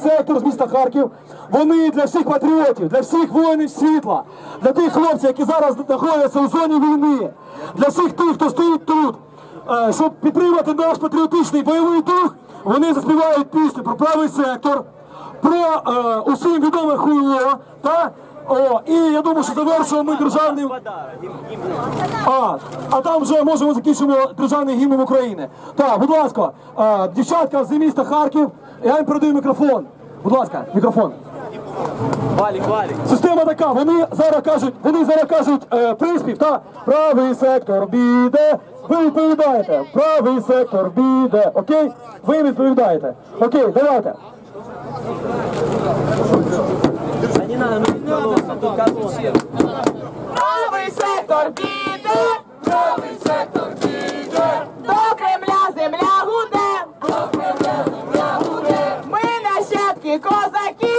сектор з міста Харків. Вони для всіх патріотів, для всіх воїнів світла, для тих хлопців, які зараз знаходяться у зоні війни, для всіх тих, хто стоїть тут, щоб підтримати наш патріотичний бойовий дух. Вони заспівають пісню про правий сектор, про усім відоме хуйло, та і я думаю, що завершуємо ми державним... А там вже можемо закінчимо державний гімн України. Так, будь ласка, дівчатка з міста Харків, я їм передаю мікрофон. Будь ласка, мікрофон. Валік. Система така, вони зараз кажуть приспів, та правий сектор біде. Ви відповідаєте, правий сектор біде, окей? Ви відповідаєте. Окей, давайте. Не надо, тут колонна. Правий сектор піде, правий сектор піде, до Кремля земля гуде, до Кремля земля гуде. Ми нащадки козаків.